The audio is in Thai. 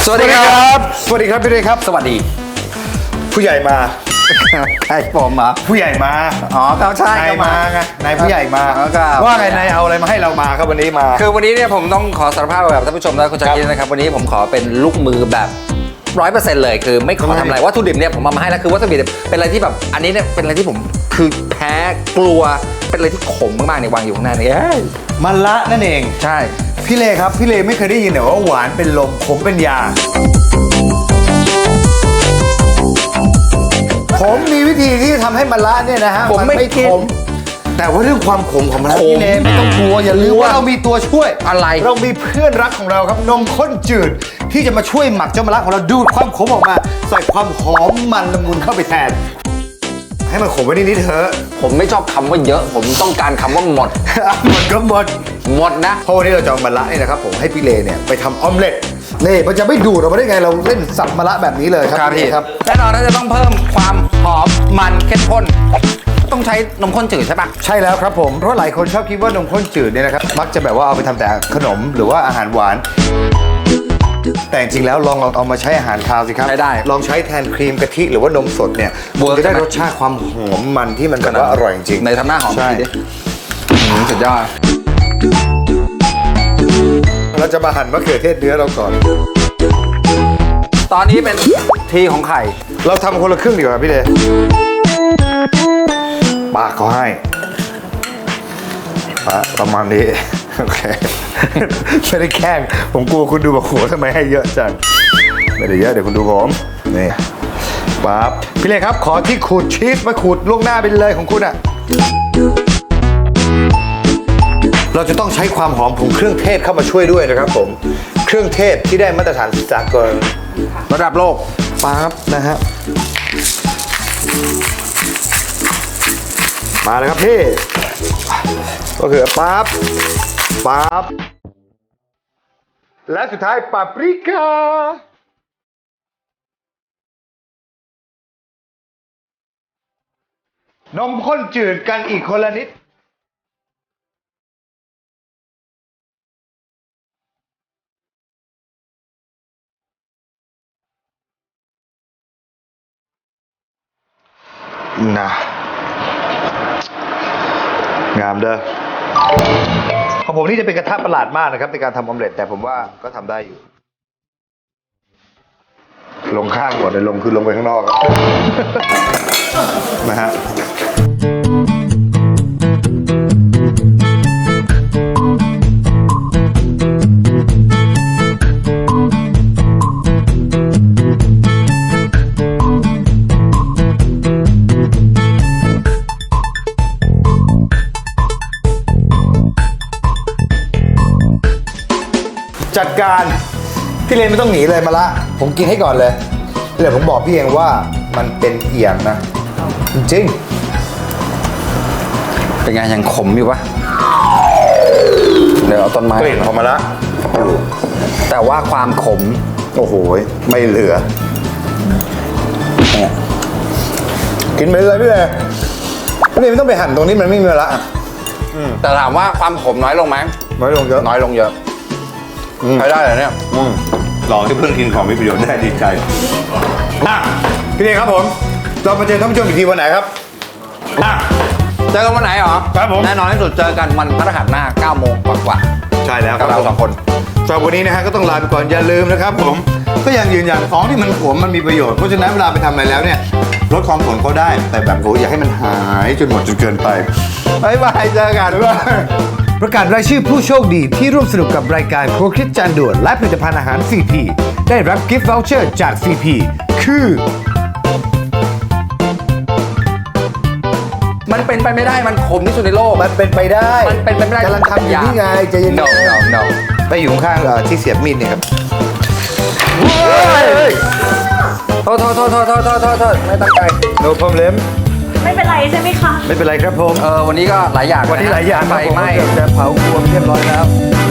สวัสดีครับสวัสดีครับพี่เรย์ครับสวัสดีผู้ใหญ่มาใครผมเหรอผู้ใหญ่มาอ๋อเขาใช่นายมาไงนายผู้ใหญ่มาครับว่าไงนายเอาอะไรมาให้เรามาครับวันนี้มาคือวันนี้เนี่ยผมต้องขอสารภาพแบบท่านผู้ชมและคุณชาคิดนะครับวันนี้ผมขอเป็นลูกมือแบบ100%เลยคือไม่ขอทำอะไรวัตถุดิบเนี่ยผมเอามาให้แล้วคือวัตถุดิบเป็นอะไรที่แบบอันนี้เนี่ยเป็นอะไรที่ผมคือแพ้กลัวเป็นอะไรที่ขมมากๆเนี่ยวางอยู่ข้างหน้านี่มันละนั่นเองใช่พี่เลครับพี่เลไม่เคยได้ยินเหรอว่าหวานเป็นลมขมเป็นยาผมมีวิธีที่จะทำให้มะระเนี่ยนะฮะผมไม่กินขมแต่ว่าเรื่องความขมของมะระพี่เลไม่ต้องกลัวอย่าลืมว่าเรามีตัวช่วยอะไรเรามีเพื่อนรักของเราครับนมข้นจืดที่จะมาช่วยหมักเจ้ามะระของเราดูดความขมออกมาใส่ความหอมมันละมุนเข้าไปแทน ให้มันขมไว้นิดๆเถอะผมไม่ชอบคำว่าเยอะ ผมต้องการคำว่าหมดหมดก็หมดหมดนะเพราะวันนี้เราจะเอามะระนี่นะครับผมให้พี่เลเนี่ยไปทำออมเล็ตนี่มันจะไม่ดูดออกมาได้ไงเราเล่นสับมะระแบบนี้เลยครับพี่ครับแน่นอนถ้าจะต้องเพิ่มความหอมมันเข้มข้นต้องใช้นมข้นจืดใช่ปะใช่แล้วครับผมเพราะหลายคนชอบคิดว่านมข้นจืดเนี่ยนะครับมักจะแบบว่าเอาไปทำแต่ขนมหรือว่าอาหารหวาน แต่จริงๆแล้วลองเอามาใช้อาหารคาวสิครับใช้ได้ลองใช้แทนครีมกะทิหรือว่านมสดเนี่ยเวิร์กจะได้ใช่ไหมรสชาติความหอมมันที่มันแบบว่าอร่อยจริงๆในทำหน้าหอมใช่ทีดิสุดยอดเราจะมาหั่นมะเขือเทศเนื้อเราก่อนตอนนี้เป็นทีของไข่เราทำคนละครึ่งดีกว่าพี่เดชปากเขาให้ประมาณนี้ โอเค ไม่ได้แกล้งผมกลัวคุณดูแบบโหทำไมให้เยอะจังไม่ได้เยอะเดี๋ยวคุณดูผมนี่ปั๊บพี่เล็กครับขอที่ขูดชีสมาขูดล่วงหน้าไปเลยของคุณอ่ะเราจะต้องใช้ความหอมของเครื่องเทศเข้ามาช่วยด้วยนะครับผมเครื่องเทศที่ได้มาตรฐานสากลระดับโลกปั๊บนะฮะมาเลยครับพี่ก็คือปั๊บและสุดท้ายปาปริก้านมข้นจืดกันอีกคนละนิดนะงามเด้อของผมนี่จะเป็นกระทะประหลาดมากนะครับในการทำออมเล็ตแต่ผมว่าก็ทำได้อยู่ ลงข้างก่อนเลยลงคือลงไปข้างนอกครับ นะฮะจัดการพี่เลนไม่ต้องหนีเลยมาละผมกินให้ก่อนเลยเดี๋ยวผมบอกพี่เองว่ามันเป็นเอียงนะจริงเป็นไงยังขมอยู่ปะเดี๋ยวเอาต้นไม้กลิ่นของมาละแต่ว่าความขมโอ้โหไม่เหลือกินไปเลยพี่เลนพี่เลนไม่ต้องไปหั่นตรงนี้มันไม่มีมาละแต่ถามว่าความขมน้อยลงไหมน้อยลงเยอะน้อยลงเยอะใช้ได้เลยเนี่ยลองที่เพิ่งกินของมีประโยชน์ได้ดีใจพี่เลนครับผมเรามาเจอท่านผู้ชมอีกทีวันไหนครับเจอกันวันไหนเหรอครับผมแน่นอนที่สุดเจอกันวันพฤหัสหน้า 9 โมงกว่าใช่แล้วๆคกัรับบ เราสองคนสำหรับวันนี้นะฮะก็ต้องลาไปก่อนอย่าลืมนะครับผมก็ยังยืนยันของที่มันขมมันมีประโยชน์เพราะฉะนั้นเวลาไปทำอะไรแล้วเนี่ยลดความขมเขาได้แต่แบบโหอย่าให้มันหายจนหมดจนเกินไปบ๊ายบายเจอกันบ๊ายบายประกาศรายชื่อผู้โชคดีที่ร่วมสนุกกับรายการครัวคิดจานด่วนและผลิตภัณฑ์อาหาร CP ได้รับกิฟต์วอลเชอร์จาก CP คือมันเป็นไปไม่ได้มันขมที่สุดในโลกมันเป็นไปได้มันเป็นไปไม่ได้กำลังทำอยู่นี่ไงใจเย็น no no no ๆไปอยู่ข้างๆที่เสียบมีดเนี่ยครับโทษไม่ตั้งใจ no problem ไม่เป็นไรใช่ไหมคะไม่เป็นไรครับผมวันนี้ก็หลายอย่างวันนี้หลายอย่างไฟไหม้เกือบจะเผาครัวเรียบร้อยแล้ว